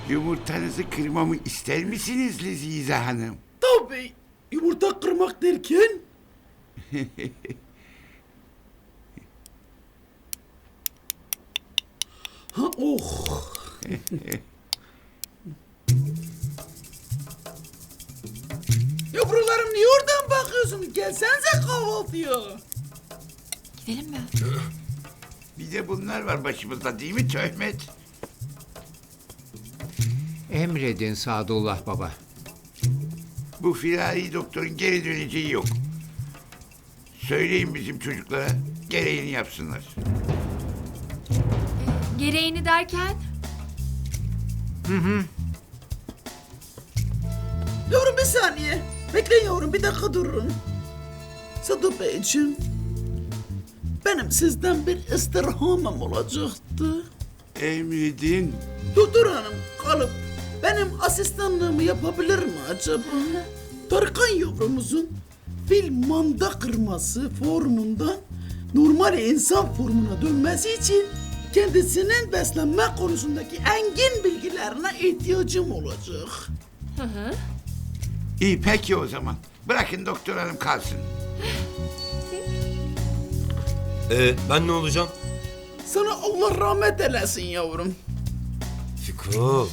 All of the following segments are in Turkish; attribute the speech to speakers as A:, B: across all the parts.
A: Yumurtanızı kırmamı ister misiniz Lezize Hanım?
B: Tabii. Yumurta kırmak derken? Ha oh. Yavrularım niye oradan bakıyorsunuz? Gelsenize kahvaltıya.
C: Gidelim mi?
A: Bir de bunlar var başımızda değil mi Töhmet?
D: Emredin Sadullah Baba.
A: Bu firari doktorun geri döneceği yok. Söyleyin bizim çocuklara gereğini yapsınlar.
C: Gereğini derken?
B: Yavrum bir saniye. Bekleyin yavrum bir dakika durun. Sadık Beyciğim. Benim sizden bir istirhamım olacaktı.
A: Emredin.
B: Doktor hanım kalıp benim asistanlığımı yapabilir mi acaba? Tarkan yavrumuzun fil manda kırması formundan normal insan formuna dönmesi için kendisinin beslenme konusundaki engin bilgilerine ihtiyacım olacak.
A: İyi peki o zaman. Bırakın doktor hanım kalsın.
E: Ben ne olacağım?
B: Sana Allah rahmet eylesin yavrum.
E: Fiko.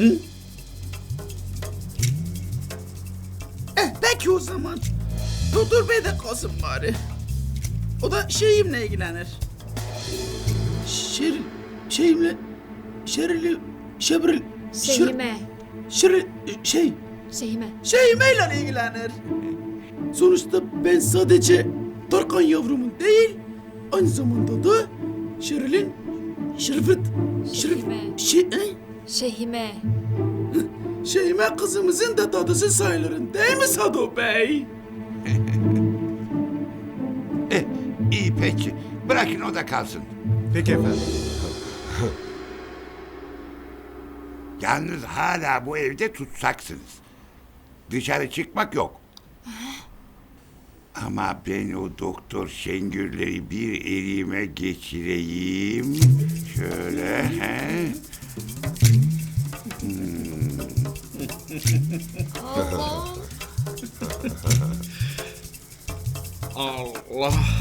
B: Peki o zaman. Doktor Bey de kalsın bari. O da şeyimle ilgilenir. Şeyimle... Şebril...
C: Şehime.
B: Şeyimeyle ilgilenir. Sonuçta ben sadece Tarkan yavrumun değil, aynı zamanda da Şeril'in...
C: Şehime.
B: Şeyime kızımızın da dadısı sayılırım değil mi Sado Bey?
A: İyi peki. Bırakın o da kalsın.
E: Peki efendim.
A: Yalnız hala bu evde tutsaksınız. Dışarı çıkmak yok. Ama ben o doktor Şengürleri bir elime geçireyim. Şöyle. He.
B: Allah.